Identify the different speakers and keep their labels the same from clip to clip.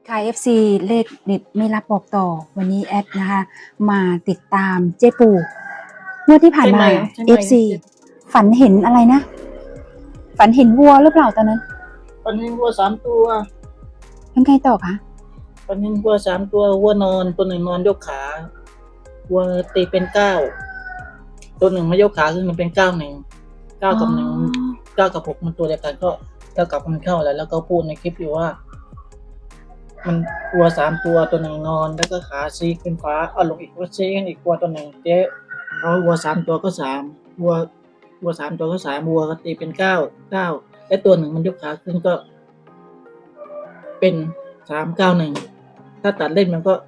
Speaker 1: ค่ะ FC เลขเด็ดไม่รับบอกต่อวันนี้แอดนะคะมาติดตามเจ๊ปูเมื่อที่ผ่านมา FC ฝันเห็นอะไรนะฝันเห็นวัวหรือเปล่าตอนนั้น
Speaker 2: ฝันเห็นวัว3 ตัว
Speaker 1: เป็นไงต่อคะ
Speaker 2: ฝันเห็นวัว3 ตัววัวนอนตัวหนึ่งนอนยกขาวัวตีเป็น9ตัวหนึ่งมายกขาขึ้นมันเป็น9 กับ1 9 กับ 6มันตัวเดียวกันก็เท่ากับมันเข้าแล้วก็พูดในคลิปอยู่ว่ามันวัว3 ตัวตัวหนึ่งนอนแล้วก็ขาชี้ขึ้นฟ้าเอาลงอีกวัวชี้ขึ้นอีกวัวตัวหนึ่งเจ๊เอาวัว3 ตัวก็3วัว3 ตัวก็3วัวก็ตีเป็น9และตัวหนึ่งมันยกขาขึ้นก็เป็น391ถ้าตัดเล่นมันก็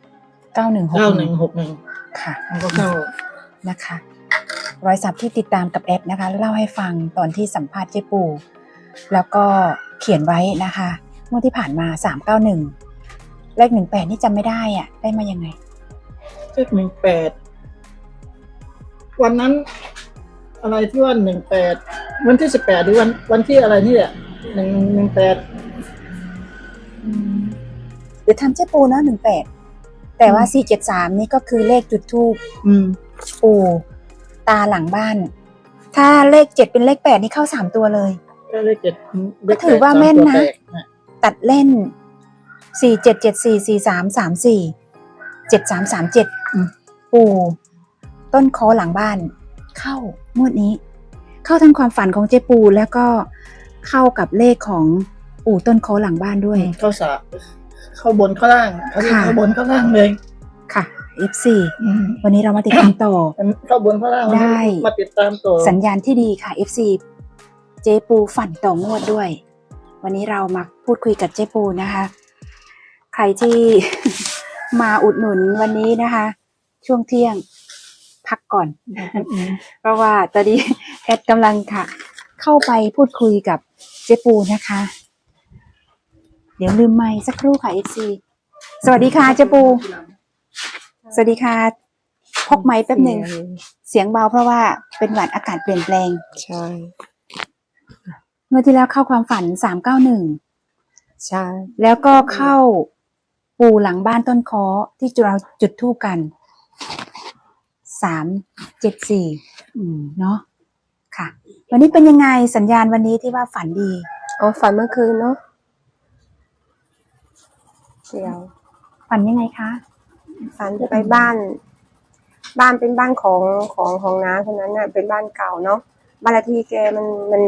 Speaker 2: 9161
Speaker 1: ค่ะ
Speaker 2: มันก็เข้า
Speaker 1: นะคะรอยสักที่ติดตามกับแอดนะคะเล่าให้ฟังตอนที่สัมภาษณ์เจ๊ปูแล้วก็เขียนไว้นะคะเมื่อที่ผ่านมา391เลข18นี่จำไม่ได้อ่ะได้มายังไง
Speaker 2: เลข18วันนั้นอะไรที่ว่า18วันที่18หรือวันที่อะไรนี่แหละ18
Speaker 1: เดี๋ยวทำเจ๊ปูนะ18แต่ว่า473นี่ก็คือเลขจุดธูปปูตาหลังบ้านถ้าเลข7เป็นเลข8นี่เข้า3ตัวเลย
Speaker 2: เลข7
Speaker 1: ก็ถือว่าแม่นนะตัดเล่น477443347337ปูต้นคอหลังบ้านเข้างวดนี้เข้าทั้งความฝันของเจ๊ปูแล้วก็เข้ากับเลขของปู่ต้นคอหลังบ้านด้วย
Speaker 2: เข้าบนเข้าล่างเข้าบนเข้าล่างเลย
Speaker 1: ค่ะ F4 วันนี้เรามาติดตามต่อ
Speaker 2: เข้าบนเข้าล่างได้มาติดตามต่อ
Speaker 1: สัญญาณที่ดีค่ะ F4 เจ๊ปูฝันต่องวดด้วยวันนี้เรามาพูดคุยกับเจ๊ปูนะคะใครที่ มาอุดหนุนวันนี้นะคะช่วงเที่ยงพักก่อน เพราะว่าตอนนี้แอดกำลังค่ะเข้าไปพูดคุยกับเจ๊ปูนะคะเดี๋ยวลืมไมค์สักครู่ค่ะ FC สวัสดีค่ะเจ๊ปูสวัสดีค่ะพกไมค์แป๊บหนึ่งเสียงเบาเพราะว่าเป็นหวัดอากาศเปลี่ยนแปลง
Speaker 3: ใช่
Speaker 1: เมื่อที่แล้วเข้าความฝัน391
Speaker 3: ใช่
Speaker 1: แล้วก็เข้าปู่หลังบ้านต้นค้อที่เราจุดธูปกัน374เนาะค่ะวันนี้เป็นยังไงสัญญาณวันนี้ที่ว่าฝันดี
Speaker 3: ฝันเมื่อคืนเนาะเดี๋ยว
Speaker 1: ฝันยังไงคะ
Speaker 3: ฝันไปบ้านเป็นบ้านของน้าคนนั้นน่ะเป็นบ้านเก่าเนาะบ้านเลขที่แกมัน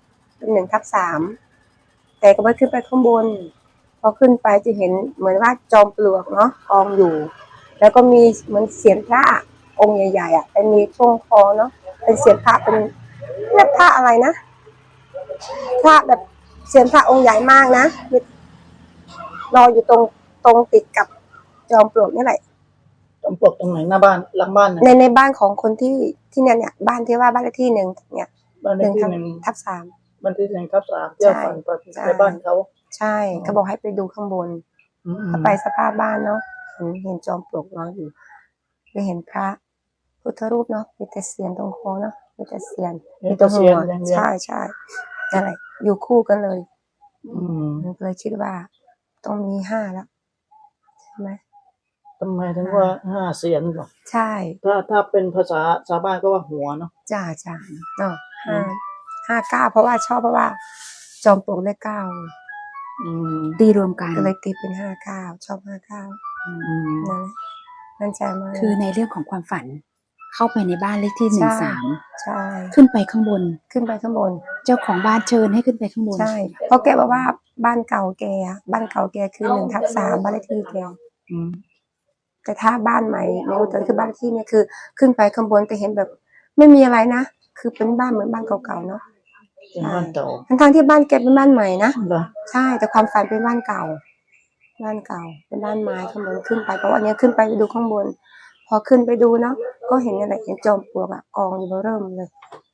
Speaker 3: 1/3แต่ก็ไม่ขึ้นไปข้างบนพอขึ้นไปจะเห็นเหมือนว่าจอมปลวกเนาะกองอยู่แล้วก็มีเหมือนเสียงพระองค์ใหญ่ๆเป็นมีช่วงคอเนาะเป็นเสียงพระเป็นพระอะไรนะพระแบบเสียงพระองค์ใหญ่มากนะรออยู่ตรงติดกับจอมปลวกนี่แหละ
Speaker 2: จอมปลวกตรงไหนหน้าบ้านหลังบ้าน
Speaker 3: ในบ้านของคนที่เนี่ยบ้านที่ว่าบ้านเลขที่1เนี่ย
Speaker 2: บ้านเลขที่1/3บ้านที่1/3เจ้าฝันในบ้านเขา
Speaker 3: ใช่เขาบอกให้ไปดูข้างบนถ้าไปสภาพบ้านเนาะเห็นจอมปลวกนอนอยู่ไปเห็นพระพุทธรูปเนาะมีแต่เสียนตรงคอเนาะมีแต่เสียนมีแต่หัวใช่อะไรอยู่คู่กันเลยเลยคิดว่าต้องมี5แล้วใช่ไหม
Speaker 2: ทำไมถึงว่า5 เสียนหรอ
Speaker 3: ใช่
Speaker 2: ถ้าเป็นภาษาชาวบ้านก็ว่าหัวเนาะ
Speaker 3: จ้าเนาะ59เพราะว่าจอมปลวกเลข9
Speaker 1: ตีรวมกัน
Speaker 3: ก็เลยตีเป็น59ชอบ59นั่นใจมาก
Speaker 1: คือในเรื่องของความฝันเข้าไปในบ้านเลขที่13
Speaker 3: ใช่
Speaker 1: ขึ้นไปข้างบนเจ้าของบ้านเชิญให้ขึ้นไปข้างบน
Speaker 3: ใช่เพราะแกบอกว่าบ้านเก่าแกคือ1/3บ้านเลขที่แกแต่ถ้าบ้านใหม่ในอุตรคือบ้านที่เนี่ยคือขึ้นไปข้างบนแต่เห็นแบบไม่มีอะไรนะคือเป็นบ้านเหมือนบ้านเก่าๆเนาะ
Speaker 2: บ้านเก่า
Speaker 3: ทั้งที่บ้านแกเป็นบ้านใหม่นะใช่แต่ความฝันเป็นบ้านเก่าเป็นบ้านไม้ข้างบนขึ้นไปเพราะวันนี้ขึ้นไปดูข้างบนพอขึ้นไปดูเนาะก็เห็นอะไรเห็นจอมปลวกกองอยู่เริ่มเลย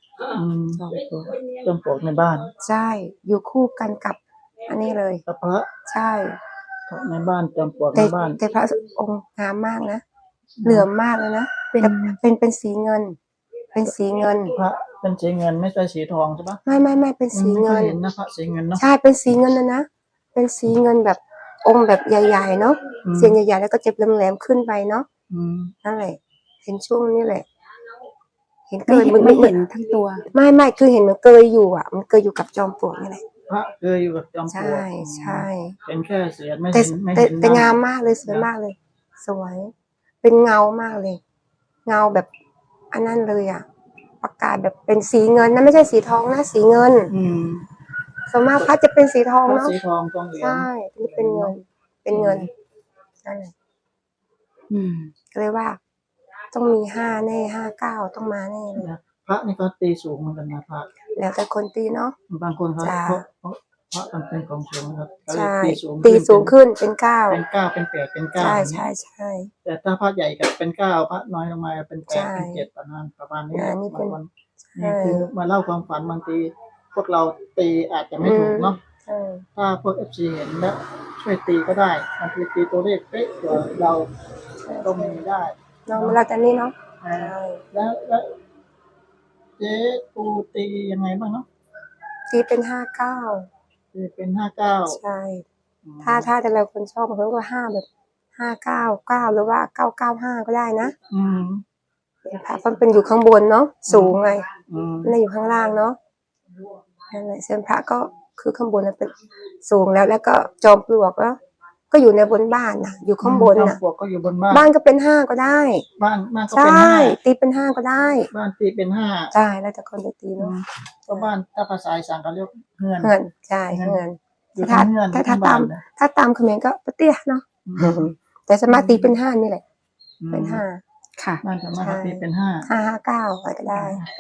Speaker 2: จอมปลวกในบ้าน
Speaker 3: ใช่อยู่คู่กันกับอันนี้เลย
Speaker 2: กับพระ
Speaker 3: ใช่
Speaker 2: ในบ้านจอมปลวกในบ้าน
Speaker 3: แต่พระองค์งามมากนะเหลื่อมมากเลยนะเป็นสีเงินพระเป็นสีเงิน
Speaker 2: ไม่ใช่สีทองใช่ปะ
Speaker 3: ไม่เป็นสีเงิน
Speaker 2: เห็นนะพระสีเงินเนาะ
Speaker 3: ใช่เป็นสีเงินนะเป็นสีเงินแบบองค์แบบใหญ่ๆเนาะ
Speaker 2: อืม
Speaker 3: เสียนใหญ่ๆแล้วก็เจ็บแหลมๆขึ้นไปเนาะ
Speaker 2: อืม
Speaker 3: นั่นแหละเห็นช่วงนี้แหละ เห็นเก
Speaker 1: ไม่
Speaker 3: ย
Speaker 1: เห็นไม่เห็นทั้งตัว
Speaker 3: ไม่คือเห็นมันเกยอยู่อ่ะ มันเกยอยู่กับจอมปลวกนี่แหละ
Speaker 2: พระเคยอยู่กับจอมปล
Speaker 3: ใช่
Speaker 2: วก
Speaker 3: ใช่
Speaker 2: เห็นแค่เสียนไม่
Speaker 3: แต่
Speaker 2: เห็นไม่
Speaker 3: แต่
Speaker 2: เห็น
Speaker 3: แต่
Speaker 2: หน้
Speaker 3: งามมากเลยสวยมากเลย สวย เป็นเงามากเลย เงาแบบอันนั้นเลยอ่ะ ประกาศแบบเป็นสีเงินนะไม่ใช่สีทองนะสีเงิน
Speaker 2: อืม
Speaker 3: ส่วนมากพระจะเป็นสีทอง
Speaker 2: พระ
Speaker 3: เนาะ
Speaker 2: สีทองทองเหลือง
Speaker 3: ใช่นี่เป็นเงิน เป็นเงินนั่นแหละ
Speaker 1: อืม
Speaker 3: ก็เลยว่า ต้องมี5 แน่ 59ต้องมาแน่เลย
Speaker 2: นะพระนี่ก็ตีสูงเหมือนกันนะพระ
Speaker 3: แล้วแต่คนตีเนาะ
Speaker 2: บางคนเขา
Speaker 3: จ้า
Speaker 2: เพราะพระมันเป็นของสูงนะครับก็เลย
Speaker 3: ใช่
Speaker 2: ตีสูง
Speaker 3: ตีสูงขึ้นเป็น
Speaker 2: เป็น
Speaker 3: 9
Speaker 2: 9เป็น8เป็น9
Speaker 3: ใช่
Speaker 2: อย่าง
Speaker 3: ใช่
Speaker 2: นี้
Speaker 3: ใช่
Speaker 2: แต่ถ้าพระใหญ่กับเป็น9พระน้อยลงมาเป็น
Speaker 3: ใช่
Speaker 2: 8เป็น7ประมาณนี้
Speaker 3: อันนี้เป็น
Speaker 2: บางวัน
Speaker 3: ใช่
Speaker 2: นี่คือมาเล่าความฝันบางทีพวกเราตีอาจจะไม่ถูกเนาะ
Speaker 3: ใช่
Speaker 2: ถ้าพวก FC เห็นแล้วช่วยตีก็ได้บางทีตีตัวเลขเป๊ะกว่าเราก็มีได้
Speaker 3: เนาะเราจะนี่เนาะ
Speaker 2: อ่า
Speaker 3: ใช่
Speaker 2: แล้วเจ๊ปูตียังไงบ้างเนาะ
Speaker 3: ตีเป็น
Speaker 2: ตีเป็น59
Speaker 3: 59ใช่ ถ้าแต่ละคนชอบบางคนก็5แบบ599หรือว่า995ก็ได้นะ
Speaker 2: อืม
Speaker 3: พระมันเป็นอยู่ข้างบนเนาะสูงไง
Speaker 2: อืม
Speaker 3: ไม่ได้อยู่ข้างล่างเนาะนั่นแหละเซียนพระก็คือข้างบนแล้วเป็นสูงแล้วก็จอมปลวกก็อยู่ในบนบ้านน่ะ อยู่ข้างบน
Speaker 2: จอม
Speaker 3: น่ะ
Speaker 2: ปลวกก็อยู่บนบ้าน
Speaker 3: บ้านก็เป็น5ก็ได้
Speaker 2: บ้านก็
Speaker 3: ใช
Speaker 2: เป็น่
Speaker 3: ตีเป็น5ก็ได้
Speaker 2: 5บ้านตีเป็น5
Speaker 3: ใช่แล้วแต่คนจะตี
Speaker 2: อื
Speaker 3: เนาะ
Speaker 2: มก็บ้านถ้าภาษาอีสานเขาเรียกเฮือน
Speaker 3: เงินใช่เงิน
Speaker 2: อยู่
Speaker 3: ถ้า
Speaker 2: ทั้งเฮือน
Speaker 3: ถ้า
Speaker 2: ทั้ง
Speaker 3: ตา
Speaker 2: บ้าน
Speaker 3: ม
Speaker 2: เลย
Speaker 3: ถ้าตามเขมรก็ปะเตี้ยเนาะ
Speaker 2: อืม
Speaker 3: แต่สวนมากตีเป็น5นี่แหละเป็น5
Speaker 1: ค่ะ
Speaker 2: บ้านสามารถ
Speaker 3: ใช่
Speaker 2: ตีเป็น
Speaker 3: 559อะไรก็ได้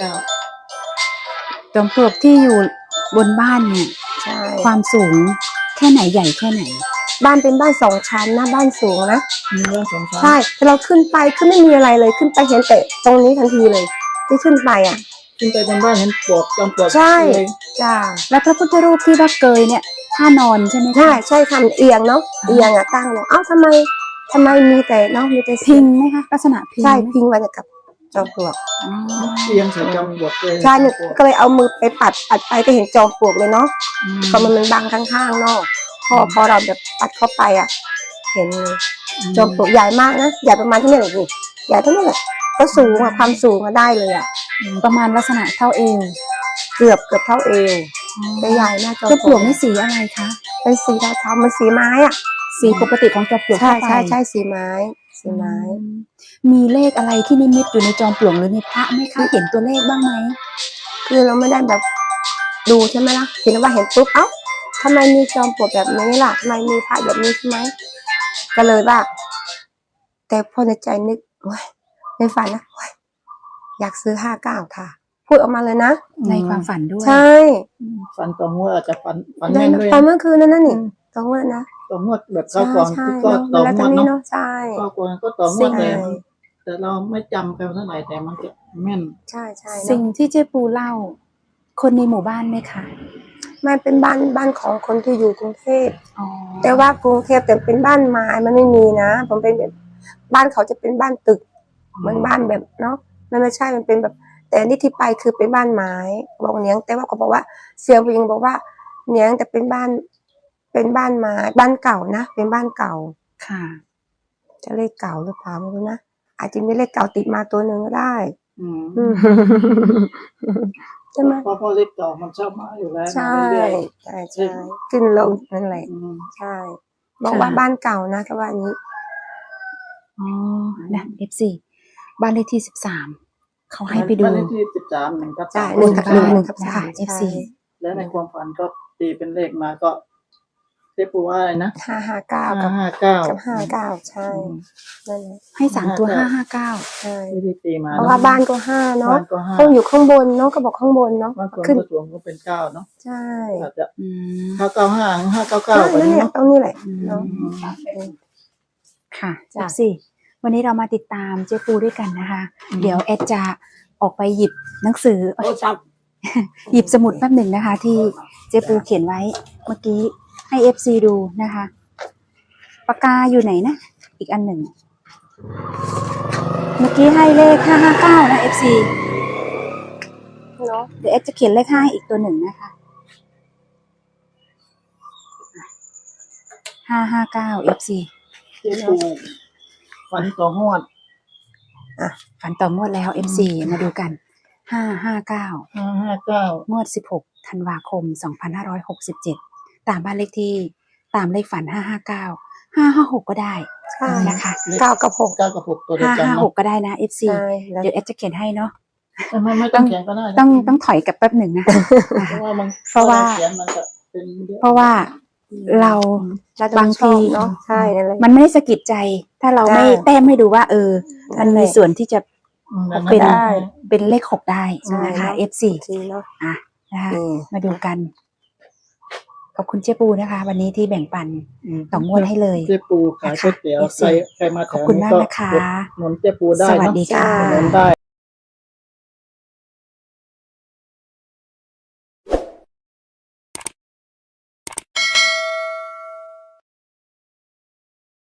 Speaker 2: 9
Speaker 1: จอมปลวกที่อยู่บนบ้านเนี่ย
Speaker 3: ใช่
Speaker 1: ความสูงแค่ไหนใหญ่แค่ไหน
Speaker 3: บ้านเป็นบ้าน2 ชั้นนะบ้านสูงนะ
Speaker 2: มีเรื่องสงสาร
Speaker 3: ใช่แต่เราขึ้นไปคือไม่มีอะไรเลยขึ้นไปเห็นแต่ตรงนี้ทันทีเลย ที่ขึ้นไปอ่ะ
Speaker 2: ขึ้นไปบนบ้านเห็นปลวกจอมปลวก
Speaker 3: ใช่
Speaker 2: เลย
Speaker 3: จ้า
Speaker 1: แล้วพระพุทธรูปที่ว่าเกยเนี่ยท่านอนใช่ไหมคะ
Speaker 3: ใช่ทำเอียงเนาะเอียงอ่ะตั้งเนาะเอ้าทำไมมีแต่เนาะมีแต่
Speaker 1: พิงไหมคะลักษณะพิง
Speaker 3: ใช่
Speaker 1: ไหม
Speaker 3: พิงไว้กับจอมปลวก
Speaker 1: อ๋อ
Speaker 2: เตียงใส่จอมปลวกเลย
Speaker 3: ใช่เนี่ยก็เลยเอามือไปปัดไปก็เห็นจอมปลวกเลยเนาะ
Speaker 2: อืม
Speaker 3: ก็มันบังข้างๆเนาะพอเราแบบปัดเข้าไปอ่ะ เห็นเลยจอมปลวกใหญ่มากนะใหญ่ประมาณเท่านี้แหละนี่ใหญ่เท่านี้แหละก็สูงอ่ะความสูงก็ได้เลยอ่ะ
Speaker 1: ประมาณลักษณะเท่าเอว
Speaker 3: เกือบเท่าเอวแต่ใหญ่มากจอม
Speaker 1: จอม
Speaker 3: ป
Speaker 1: ป
Speaker 3: ล
Speaker 1: ล
Speaker 3: ว
Speaker 1: ว
Speaker 3: ก
Speaker 1: กนี่สีอะไรคะ
Speaker 3: เป็นสีเทาๆมันสีไม้อ่ะ
Speaker 1: สีปกติของจอมปลวก
Speaker 3: ใช่
Speaker 1: ทั่วไป
Speaker 3: ใช่สีไม้สีไม้
Speaker 1: อืมมีเลขอะไรที่นิมิตอยู่ในจอมปลวกหรือในพระไหมคะเห็นตัวเลขบ้างไหม
Speaker 3: คือเราไม่ได้แบบดูใช่ไหมล่ะเห็นว่าเห็นปุ๊บเอ้าทำไมมีจอมปลวกแบบนี้ล่ะทำไมมีพระแบบนี้ใช่ไหมก็เลยว่าแต่พอในใจนึกโอ๊ยในฝันนะโอ๊ยอยากซื้อ59ค่ะ พูดออกมาเลยนะ
Speaker 1: ในความฝันด้วย
Speaker 3: ใช่
Speaker 2: ฝันต่องวดอาจจะฝัน
Speaker 3: ได้
Speaker 2: แม่นด้วย
Speaker 3: ตอนเมื่อคืนนั่นนี่ตอนเมื่อนะ
Speaker 2: ต่องวดแบบ
Speaker 3: ใช่
Speaker 2: เข้าก่อน
Speaker 3: ใช่
Speaker 2: ก็
Speaker 3: เนาะ
Speaker 2: ต่อ
Speaker 3: แล้ว
Speaker 2: ง
Speaker 3: ตอ
Speaker 2: วน ด
Speaker 3: นี้
Speaker 2: เนาะ
Speaker 3: เนาะใช่
Speaker 2: เข้าก่อนก็ต่องวด
Speaker 3: ใช่
Speaker 2: แต่เราไม่จำกันเท่าไหร่แต่มันจะแม่น
Speaker 3: ใช่เนาะ
Speaker 1: สิ่งที่เจ๊ปูเล่า คนในหมู่บ้านไหมคะ
Speaker 3: มันเป็นบ้านของคนที่อยู่กรุงเทพ
Speaker 1: อ๋อ
Speaker 3: แต่ว่ากรุงเทพแต่เป็นบ้านไม้มันไม่มีนะผมเป็นแบบบ้านเขาจะเป็นบ้านตึกเหมือนบ้านแบบเนาะมันไม่ใช่มันเป็นแบบ แต่อันนี่ที่ไปคือเป็นบ้านไม้บอกเนียงแต่ว่าเขาบอกว่าเสียงผู้หญิงบอกว่าเนียงแต่เป็นบ้านไม้บ้านเก่านะเป็นบ้านเก่า
Speaker 1: ค่ะ
Speaker 3: จะเลขเก่าหรือเปล่าไม่รู้นะอาจจะมีเลขเก่าติดมาตัวหนึ่งก็ได้
Speaker 2: อืม
Speaker 3: อืม ใช่ไหม
Speaker 2: เพราะพ่อเล็กต่อมันชอบมาอยู่แล้ว
Speaker 3: ใช่
Speaker 2: เรื่อย
Speaker 3: ใช่ขึ้นลงนั่นแหละ
Speaker 2: ๆอืม
Speaker 3: ใช่ บอกว่าบ้านเก่านะก็ว่าอย่างนี้
Speaker 1: อ๋อนะ FC บ้านเลขที่13เขาให้ไปดู
Speaker 2: บ้านเลขที่13 1 ทับ
Speaker 3: ใช่
Speaker 2: 3
Speaker 3: 1 ทับ 1 ทับ
Speaker 1: นะคะ
Speaker 3: 3
Speaker 1: FC
Speaker 2: แล้วในความฝันก็ตีเป็นเลขมาก็เจ๊ปูว่าอะไรนะ
Speaker 3: 559 กับ
Speaker 2: 559
Speaker 3: 59ใช่นั่นแหละ
Speaker 1: ให้3ตัว559
Speaker 3: ใช่
Speaker 2: ที่ตีมา
Speaker 3: เพราะว่าบ้านก็5เนาะ
Speaker 2: บ้านก็5
Speaker 3: ต้องอยู่ข้างบนเนาะก็บอกข้างบนเนาะ
Speaker 2: บ้านคน
Speaker 3: ขึ้น
Speaker 2: ก็สวมก็เป็น9เนาะ
Speaker 3: ใช่
Speaker 2: อาจจะ
Speaker 1: อืม
Speaker 2: 595 599
Speaker 3: ใช่
Speaker 2: แบบ
Speaker 3: นั่น
Speaker 2: นี้
Speaker 3: เนี่ย
Speaker 2: เนาะ
Speaker 3: ตรงนี้แหละเนาะ
Speaker 1: ค่ะ
Speaker 3: จ้ะ
Speaker 1: FC วันนี้เรามาติดตามเจ๊ปูด้วยกันนะคะ เดี๋ยวแอดจะออกไปหยิบหนังสือ
Speaker 2: โอ้จับ
Speaker 1: หยิบสมุดแป๊บหนึ่งนะคะ ที่เจ๊ปูเขียนไว้เมื่อกี้ให้ FC ดูนะคะปากกาอยู่ไหนนะ อีกอันหนึ่ง เมื่อกี้ให้เลข559นะ FC
Speaker 3: เนาะ
Speaker 1: เดี๋ยวแอดจะเขียนเลข5อีกตัวหนึ่งนะคะ 559 FC
Speaker 2: เจ๊ปูฝันต่องวด
Speaker 1: ฝันต่องวดแล้ว FC มาดูกัน 559
Speaker 2: 559
Speaker 1: งวด 16 ธันวาคม 2567 ตามบ้านเลขที่ตามเลขฝัน 559 556 ก็ได้
Speaker 3: ใช่
Speaker 1: นะคะ
Speaker 3: 9 กับ 6
Speaker 2: 9 กับ 6 ตัวเดียวกันเนาะ
Speaker 1: 556 ก็ได้นะ FC
Speaker 3: ใช่แล้ว
Speaker 1: เดี๋ยวแอดจะเขียนให้เนาะ
Speaker 2: ไม่ต้องเขียนก็ได้นะ
Speaker 1: ต้องถอยกลับแป๊บหนึ่งนะคะ
Speaker 2: เพราะว่ามัน
Speaker 1: เพราะว่า
Speaker 2: เขียนมันจะเป็นเยอะ
Speaker 1: เพราะว่าเรา
Speaker 3: เราจะ
Speaker 1: บาง
Speaker 3: ชอบ
Speaker 1: ที
Speaker 3: เนาะใช่นั่นแหละ
Speaker 1: มันไม่ได้สะกิดใจ ถ้าเราไม่
Speaker 3: ใช่
Speaker 1: แต้มให้ดูว่า มันมีส่วนที่จะ
Speaker 2: แบบ
Speaker 1: เป็น
Speaker 2: ได้
Speaker 1: เป็นเลข 6 ได้
Speaker 3: ใช่
Speaker 1: นะคะ
Speaker 3: เนอะ
Speaker 1: F4
Speaker 3: จริงเนาะ
Speaker 1: นะคะ
Speaker 3: นี่
Speaker 1: มาดูกัน ขอบคุณเจ๊ปูนะคะ วันนี้ที่แบ่งปันต่องวดให้เลย
Speaker 2: เจ๊ปูขายก๋วยเตี๋ยว
Speaker 1: นะคะ
Speaker 2: ใครมาแถ
Speaker 1: ขอบ
Speaker 2: ว
Speaker 1: คุณ
Speaker 2: นี้
Speaker 1: มาก
Speaker 2: ก็
Speaker 1: นะคะ
Speaker 2: อุดหนุนเจ๊ปูได้
Speaker 1: สวัส
Speaker 2: เนาะ
Speaker 1: ดีค่ะ
Speaker 2: อุดหนุนได้